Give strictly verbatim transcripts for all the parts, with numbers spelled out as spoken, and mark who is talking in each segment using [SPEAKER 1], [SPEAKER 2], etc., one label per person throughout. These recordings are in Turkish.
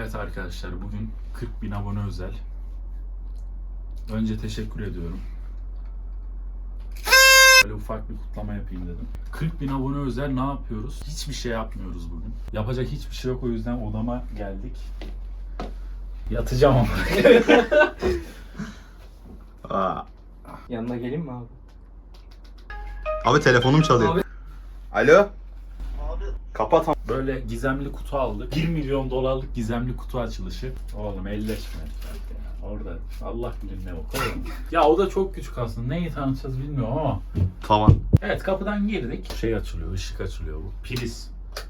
[SPEAKER 1] Evet arkadaşlar, bugün kırk bin abone özel. Önce teşekkür ediyorum. Böyle ufak bir kutlama yapayım dedim. kırk bin abone özel ne yapıyoruz? Hiçbir şey yapmıyoruz bugün. Yapacak hiçbir şey yok, o yüzden odama geldik. Yatacağım ama.
[SPEAKER 2] Aa.
[SPEAKER 3] Yanına geleyim mi abi?
[SPEAKER 2] Abi telefonum çalıyor.
[SPEAKER 3] Abi.
[SPEAKER 2] Alo? Abi. Kapat.
[SPEAKER 1] Böyle gizemli kutu aldık. bir milyon dolarlık gizemli kutu açılışı. Oğlum elleşme. Orada Allah bilir ne o. Oğlum. Ya o da çok küçük aslında. Neyi tanıtacağız bilmiyorum ama.
[SPEAKER 2] Tamam.
[SPEAKER 1] Evet, kapıdan girdik. Şey açılıyor, ışık açılıyor bu. Priz.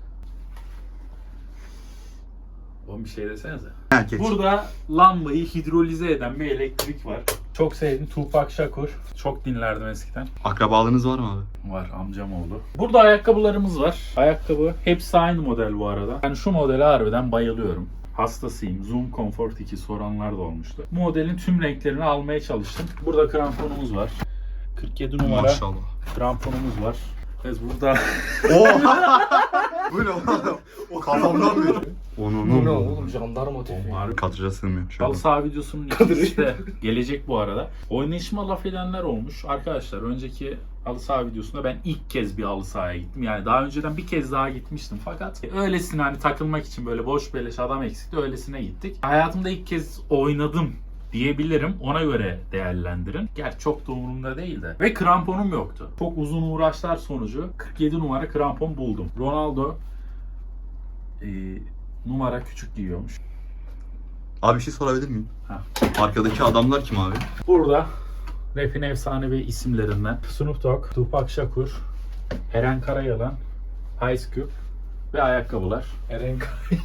[SPEAKER 1] Oğlum bir şey desenize.
[SPEAKER 2] Herkes.
[SPEAKER 1] Burada lambayı hidrolize eden bir elektrik var. Çok sevdim. Tupac Shakur. Çok dinlerdim eskiden.
[SPEAKER 2] Akrabalığınız var mı abi?
[SPEAKER 1] Var, amcam oldu. Burada ayakkabılarımız var. Ayakkabı hepsi aynı model bu arada. Yani şu modele harbiden bayılıyorum. Hastasıyım. Zoom Comfort iki soranlar da olmuştu. Bu modelin tüm renklerini almaya çalıştım. Burada kramponumuz var. kırk yedi numara
[SPEAKER 2] Maşallah.
[SPEAKER 1] kramponumuz var. Biz burada
[SPEAKER 2] Oha! Bu ne oğlum? O kafamdan mı? Onun
[SPEAKER 3] Bu ne oğlum, jandarma tüfeği.
[SPEAKER 1] Onlar
[SPEAKER 2] Katıca sığmıyor. Şöyle.
[SPEAKER 1] halı saha videosunun ikincisi de gelecek bu arada. Oynayışıma laf edenler olmuş. Arkadaşlar, önceki halı saha videosunda ben ilk kez bir halı sahaya gittim. Yani daha önceden bir kez daha gitmiştim fakat öylesine hani takılmak için, böyle boş beleş adam eksikti, öylesine gittik. Hayatımda ilk kez oynadım diyebilirim. Ona göre değerlendirin. Gerçi çok da umurumda değil de. Ve kramponum yoktu. Çok uzun uğraşlar sonucu kırk yedi numara krampon buldum. Ronaldo e, numara küçük giyiyormuş.
[SPEAKER 2] Abi bir şey sorabilir miyim?
[SPEAKER 1] Ha.
[SPEAKER 2] Arkadaki adamlar kim abi?
[SPEAKER 1] Burada rap'in efsanevi isimlerinden Snoop Dogg, Tupac Shakur, Eren Karayalan, Ice Cube ve ayakkabılar.
[SPEAKER 3] Eren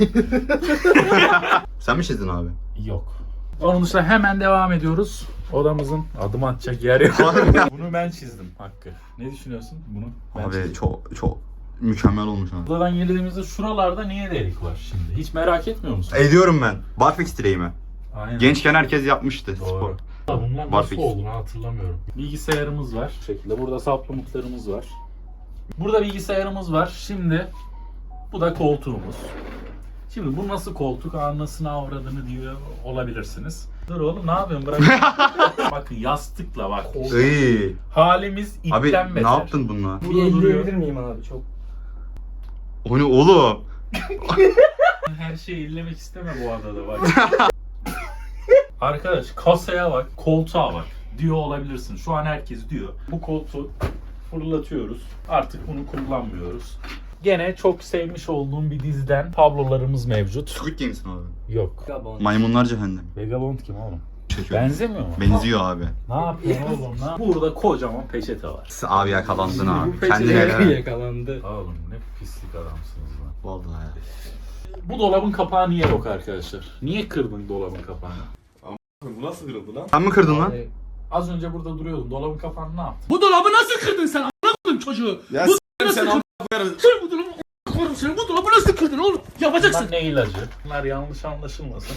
[SPEAKER 2] Sen mi çizdin abi?
[SPEAKER 1] Yok. Onun dışında hemen devam ediyoruz. Odamızın adım atacak yer yok. Bunu ben çizdim Hakkı. Ne düşünüyorsun bunu? Ben
[SPEAKER 2] Abi
[SPEAKER 1] çizdim.
[SPEAKER 2] çok çok mükemmel olmuş abi.
[SPEAKER 1] Odadan girdiğimizde şuralarda niye delik var şimdi? Hiç merak etmiyor musun?
[SPEAKER 2] Ediyorum ben. Barfix direği mi?
[SPEAKER 1] Aynen.
[SPEAKER 2] Gençken herkes yapmıştı
[SPEAKER 1] Doğru.
[SPEAKER 2] spor.
[SPEAKER 1] Bunlar nasıl
[SPEAKER 2] Barfix.
[SPEAKER 1] olduğunu hatırlamıyorum. Bilgisayarımız var. Bu şekilde. Burada supplementlarımız var. Burada bilgisayarımız var. Şimdi bu da koltuğumuz. Şimdi bu nasıl koltuk, anasını avradını diyor olabilirsiniz. Dur oğlum, ne yapıyorsun, bırak. Bakın yastıkla bak.
[SPEAKER 2] İyi.
[SPEAKER 1] Halimiz ipten
[SPEAKER 2] Abi
[SPEAKER 1] beter.
[SPEAKER 2] ne yaptın bununla?
[SPEAKER 3] Bir
[SPEAKER 1] Burada duruyor.
[SPEAKER 3] elleyebilir miyim abi çok?
[SPEAKER 2] O ne oğlum?
[SPEAKER 1] Her şeyi illemek isteme bu adada bak. Arkadaş, kasaya bak, koltuğa bak diyor olabilirsin. Şu an herkes diyor. Bu koltuğu fırlatıyoruz. Artık bunu kullanmıyoruz. Gene çok sevmiş olduğum bir diziden tablolarımız mevcut.
[SPEAKER 2] Squid Games'in abi.
[SPEAKER 1] Yok.
[SPEAKER 3] Gabon.
[SPEAKER 2] Maymunlar Cehennem.
[SPEAKER 1] Vagabond kim oğlum?
[SPEAKER 2] Çekiyor.
[SPEAKER 1] Benzemiyor mu?
[SPEAKER 2] Benziyor abi.
[SPEAKER 1] Ne yapıyorsun oğlum lan? Burada kocaman peçete var.
[SPEAKER 2] Abi yakalandın
[SPEAKER 1] Bu
[SPEAKER 2] abi.
[SPEAKER 1] peçete-
[SPEAKER 2] Kendine helal.
[SPEAKER 3] Yakalandı.
[SPEAKER 1] Oğlum ne pislik adamsınız lan.
[SPEAKER 2] Vallahi ya.
[SPEAKER 1] Bu dolabın kapağı niye yok arkadaşlar? Niye kırdın dolabın kapağını?
[SPEAKER 4] Bu nasıl kırıldı lan?
[SPEAKER 2] Sen mi kırdın lan?
[SPEAKER 3] Abi,
[SPEAKER 1] Az önce burada duruyordun. Dolabın kapağını ne yaptın?
[SPEAKER 5] Bu dolabı nasıl kırdın sen? A**ın çocuğu.
[SPEAKER 4] Ya
[SPEAKER 5] Bu
[SPEAKER 4] s**tim
[SPEAKER 5] nasıl
[SPEAKER 4] sen
[SPEAKER 5] kırdın?
[SPEAKER 4] a**larım.
[SPEAKER 5] Sen bu dolabı a**ın sen bu dolabı nasıl kırdın oğlum? Yapacaksın.
[SPEAKER 1] Bunlar ne ilacı? Bunlar yanlış anlaşılmasın.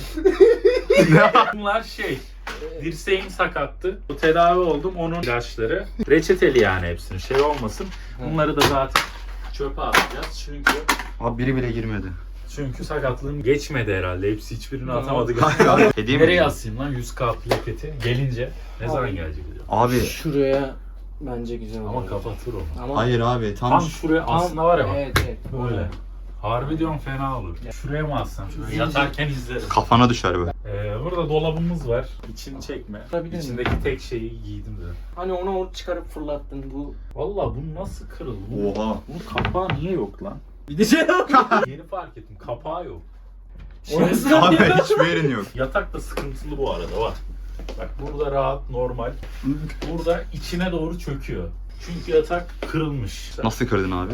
[SPEAKER 1] Bunlar şey, dirseğim sakattı. Bu tedavi oldum, onun ilaçları. Reçeteli yani hepsini, şey olmasın. Bunları da zaten çöpe atacağız çünkü
[SPEAKER 2] Abi biri bile girmedi.
[SPEAKER 1] çünkü sakatlığım geçmedi herhalde. Hepsi hiçbirini atamadık.
[SPEAKER 2] Hediye mi?
[SPEAKER 1] Nereye asayım lan yüz K plaketi? Gelince ne zaman gelecek diyor.
[SPEAKER 2] Abi
[SPEAKER 3] şuraya bence güzel olur.
[SPEAKER 1] Ama kapatır onu.
[SPEAKER 3] Ama
[SPEAKER 2] hayır abi tam,
[SPEAKER 1] Tam şuraya
[SPEAKER 3] tam-
[SPEAKER 1] aslında var ya bak.
[SPEAKER 3] Evet evet.
[SPEAKER 1] Böyle. Harbi diyorum, fena olur. Şuraya mı assam? Şöyle yatarken izlerim.
[SPEAKER 2] kafana düşer be.
[SPEAKER 1] Ee, burada dolabımız var. İçini çekme.
[SPEAKER 3] Olabilir mi?
[SPEAKER 1] İçindeki tek şeyi giydim de.
[SPEAKER 3] Hani onu or- çıkarıp fırlattın bu.
[SPEAKER 1] Vallahi bu nasıl kırıldı? Bu-
[SPEAKER 2] Oha.
[SPEAKER 1] Bunun kapağı niye yok lan?
[SPEAKER 3] Bir de şey
[SPEAKER 1] Yeni fark ettim. Kapağı yok.
[SPEAKER 3] Orası
[SPEAKER 2] Abi hiçbir yerin yok.
[SPEAKER 1] Yatak da sıkıntılı bu arada, bak. Bak burada rahat, normal. Burada içine doğru çöküyor. Çünkü yatak kırılmış.
[SPEAKER 2] Nasıl kırdın abi?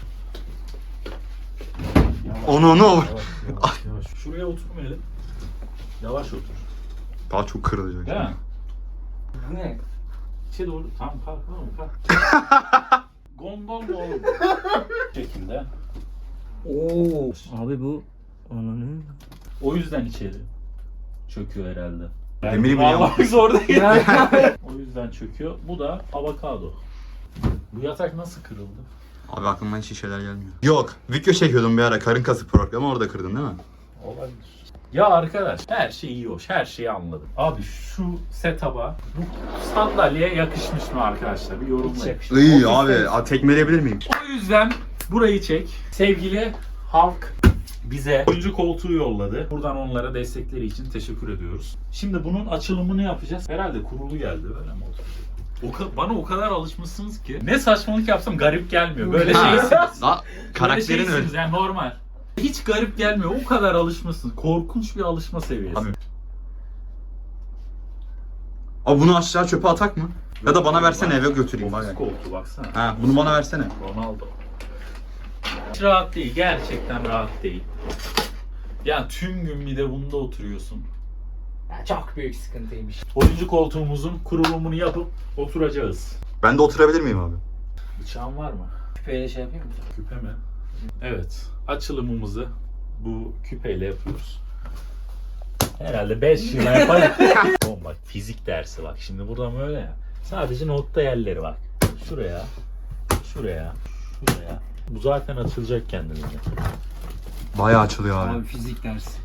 [SPEAKER 2] Onu onu.
[SPEAKER 1] Yavaş, yavaş, yavaş. Şuraya oturmayalım. Yavaş otur.
[SPEAKER 2] Daha çok kırılacak.
[SPEAKER 1] Değil mi?
[SPEAKER 3] Bu ne?
[SPEAKER 1] İçe doğru. Tamam, kalk oğlum, kalk. Gondol mu oğlum? Bu şekilde.
[SPEAKER 3] Oo. Abi bu ananı.
[SPEAKER 1] O yüzden içeri çöküyor herhalde.
[SPEAKER 2] Demiri bile
[SPEAKER 1] Vallahi
[SPEAKER 2] yapmış.
[SPEAKER 1] zor değil. O yüzden çöküyor. Bu da avokado. Bu yatak nasıl kırıldı?
[SPEAKER 2] Abi aklıma hiç iyi şeyler gelmiyor. Yok. Video çekiyordum bir ara. Karın kası programı, orada kırdın değil mi?
[SPEAKER 1] Olabilir. Ya arkadaş her şey iyi hoş, her şeyi anladım. Abi şu setup'a, bu sandalyeye yakışmış mı arkadaşlar? Bir yorumlayın.
[SPEAKER 2] İyi abi. Abi tekmeleyebilir miyim?
[SPEAKER 1] O yüzden burayı çek. Sevgili halk bize oyuncu koltuğu yolladı. Buradan onlara destekleri için teşekkür ediyoruz. Şimdi bunun açılımını yapacağız. Herhalde kurulu geldi, öyle mi oldu? O ka- bana o kadar alışmışsınız ki ne saçmalık yapsam garip gelmiyor. Böyle şeysiniz.
[SPEAKER 2] Daha
[SPEAKER 1] Böyle
[SPEAKER 2] karakterin öyle.
[SPEAKER 1] şeysiniz yani normal. Hiç garip gelmiyor. O kadar alışmışsınız. Korkunç bir alışma seviyesi.
[SPEAKER 2] Abi. Abi bunu aşağı çöpe atak mı? Ya da bana versene eve götüreyim.
[SPEAKER 1] Ofis
[SPEAKER 2] Bak.
[SPEAKER 1] koltuğu baksana.
[SPEAKER 2] Ha, bunu bana versene.
[SPEAKER 1] Ronaldo. Hiç rahat değil. Gerçekten rahat değil. Yani tüm gün bir de bunda oturuyorsun.
[SPEAKER 3] Ya çok büyük sıkıntıymış.
[SPEAKER 1] Oyuncu koltuğumuzun kurulumunu yapıp oturacağız.
[SPEAKER 2] Ben de oturabilir miyim abi?
[SPEAKER 1] Bıçağın var mı?
[SPEAKER 3] Küpeyle şey yapayım mı?
[SPEAKER 1] Küpe mi? Evet. Açılımımızı bu küpeyle yapıyoruz. Herhalde beş yıla yaparız. Oğlum bak fizik dersi bak. Şimdi buradan böyle ya. Sadece notta yerleri bak. Şuraya. Şuraya. Şuraya. Bu zaten açılacak kendiliğinden.
[SPEAKER 2] Bayağı açılıyor abi.
[SPEAKER 3] Abi fizik dersi.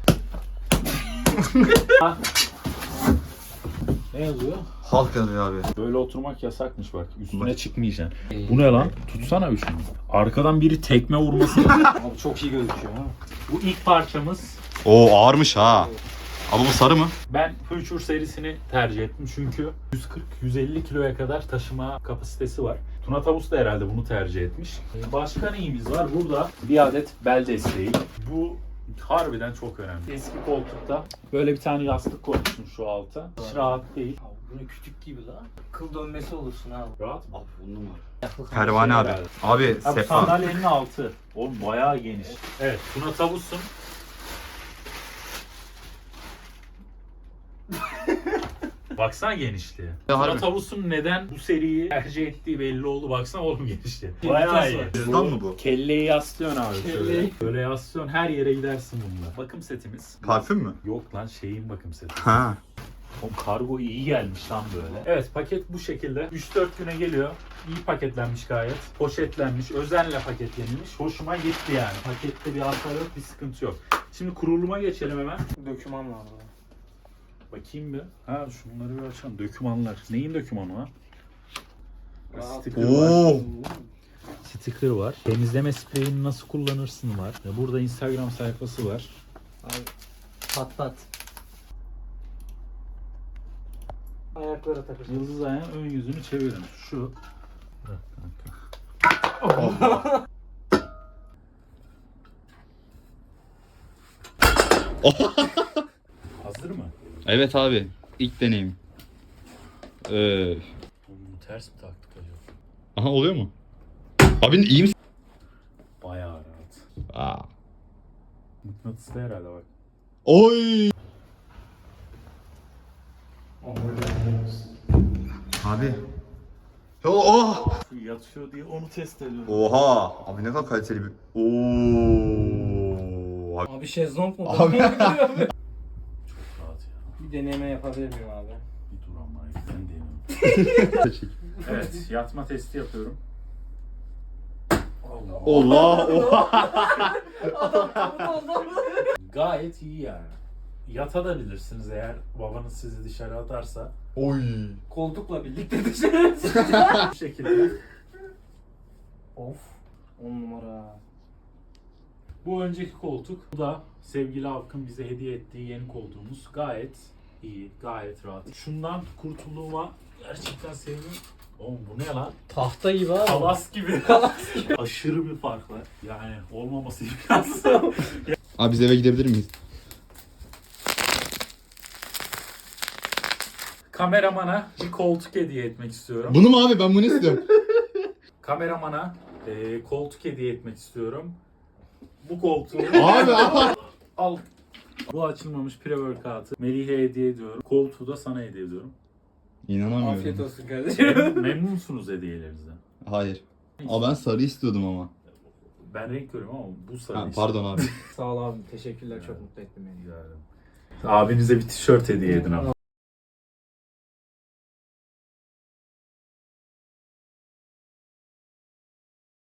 [SPEAKER 1] Ne yazıyor?
[SPEAKER 2] Halk yazıyor abi.
[SPEAKER 1] Böyle oturmak yasakmış bak. Üstüne
[SPEAKER 2] Bak.
[SPEAKER 1] çıkmayacaksın. Bu ne lan? Tutsana bir şunu. Arkadan biri tekme vurması.
[SPEAKER 3] Abi çok iyi gözüküyor ha.
[SPEAKER 1] Bu ilk parçamız.
[SPEAKER 2] Oo ağırmış ha. Abi bu sarı mı?
[SPEAKER 1] Ben Future serisini tercih ettim çünkü yüz kırk yüz elli kiloya kadar taşıma kapasitesi var. Tuna Tavus da herhalde bunu tercih etmiş. Ee, Başka neyimiz var? Burada bir adet bel desteği. Bu harbiden çok önemli. Eski koltukta böyle bir tane yastık koymuşum şu alta. Hiç rahat değil.
[SPEAKER 3] Abi bu ne kütük gibi la. Kıl dönmesi olursun abi.
[SPEAKER 1] Rahat mı?
[SPEAKER 2] Abi on numara.
[SPEAKER 3] Yaklaşık
[SPEAKER 2] Pervane abi.
[SPEAKER 1] herhalde.
[SPEAKER 2] Abi
[SPEAKER 1] Abi
[SPEAKER 2] sefa.
[SPEAKER 1] sandalyenin altı. Oğlum bayağı geniş. Evet, Tuna Tavus'un baksana genişliğe.
[SPEAKER 2] Ya
[SPEAKER 1] Tuna
[SPEAKER 2] harbi.
[SPEAKER 1] Tavus'un neden bu seriyi tercih ettiği belli oldu. Baksana oğlum genişliğe. Bayağı iyi.
[SPEAKER 2] Cüzdan mı bu?
[SPEAKER 1] Kelleyi yaslıyorsun abi şöyle.
[SPEAKER 3] Kelleyi.
[SPEAKER 1] Böyle yaslıyorsun, her yere gidersin bununla. Bakım setimiz.
[SPEAKER 2] Parfüm mü?
[SPEAKER 1] Yok lan şeyin bakım seti.
[SPEAKER 2] Ha.
[SPEAKER 1] Oğlum kargo iyi gelmiş lan böyle. Evet paket bu şekilde. üç dört güne geliyor. İyi paketlenmiş gayet. Poşetlenmiş, özenle paketlenmiş. Hoşuma gitti yani. Pakette bir hasar yok, bir sıkıntı yok. Şimdi kuruluma geçelim hemen.
[SPEAKER 3] Döküman var burada.
[SPEAKER 1] Bakayım bir. Ha şunları bir açalım. Dökümanlar. Neyin dökümanı ha?
[SPEAKER 3] Aa,
[SPEAKER 1] Sticker var.
[SPEAKER 2] Oo.
[SPEAKER 1] Sticker var. Temizleme spreyini nasıl kullanırsın var. Ya burada Instagram sayfası var.
[SPEAKER 3] Abi pat pat. Ayaklara takacağım.
[SPEAKER 1] Yıldız ayağın ön yüzünü çevirin. Şu. Bırak kanka. Hazır mı?
[SPEAKER 2] Evet abi. İlk deneyim. Ee,
[SPEAKER 1] Oğlum bunu ters mi taktık acaba?
[SPEAKER 2] aha oluyor mu? Abi iyi misin?
[SPEAKER 1] Bayağı rahat.
[SPEAKER 2] Aa.
[SPEAKER 1] Mıknatıslı herhalde bak.
[SPEAKER 2] Oy. Abi. Oh.
[SPEAKER 1] Şu yatıyor diye onu test ediyorum.
[SPEAKER 2] Oha. Abi ne kadar kaliteli bir. Oo. Abi.
[SPEAKER 3] Abi şezlong mu?
[SPEAKER 2] Abi.
[SPEAKER 1] Çok rahat ya.
[SPEAKER 3] Bir deneme yapabilir miyim abi?
[SPEAKER 1] Bir dur ama ben deniyorum. Evet yatma testi yapıyorum. Allah.
[SPEAKER 2] Allah.
[SPEAKER 1] Gayet iyi yani. Yatabilirsiniz eğer babanız sizi dışarı atarsa.
[SPEAKER 2] Oy.
[SPEAKER 3] Koltukla birlikte dışarı.
[SPEAKER 1] Bu şekilde.
[SPEAKER 3] Of. On numara.
[SPEAKER 1] Bu önceki koltuk. Bu da sevgili Halk'ın bize hediye ettiği yeni koltuğumuz. Gayet iyi, gayet rahat. Şundan kurtulduğuma gerçekten sevindim. Oğlum bu ne lan?
[SPEAKER 3] Tahta gibi abi.
[SPEAKER 1] Kalas gibi. Aşırı bir fark var. Yani olmaması imkansız.
[SPEAKER 2] Abi biz eve gidebilir miyiz?
[SPEAKER 1] Kameramana bir koltuk hediye etmek istiyorum.
[SPEAKER 2] Bunu mu abi? Ben bunu istiyorum.
[SPEAKER 1] Kameramana e, koltuk hediye etmek istiyorum. Bu koltuğu
[SPEAKER 2] Abi abi.
[SPEAKER 1] al. Bu açılmamış pre-workout'ı Melih'e hediye ediyorum. Koltuğu da sana hediye ediyorum.
[SPEAKER 2] İnanamıyorum.
[SPEAKER 3] Afiyet olsun kardeşim.
[SPEAKER 1] Memnun, memnun musunuz hediyelerinizden?
[SPEAKER 2] Hayır. Aa ben sarı istiyordum ama.
[SPEAKER 1] Ben renk görüyorum ama bu sarı
[SPEAKER 2] Ha,
[SPEAKER 1] işte.
[SPEAKER 2] pardon abi.
[SPEAKER 3] Sağ ol abi. Teşekkürler. Çok mutlu ettin beni.
[SPEAKER 1] Rica ederim. Abinize bir tişört hediye edin ama.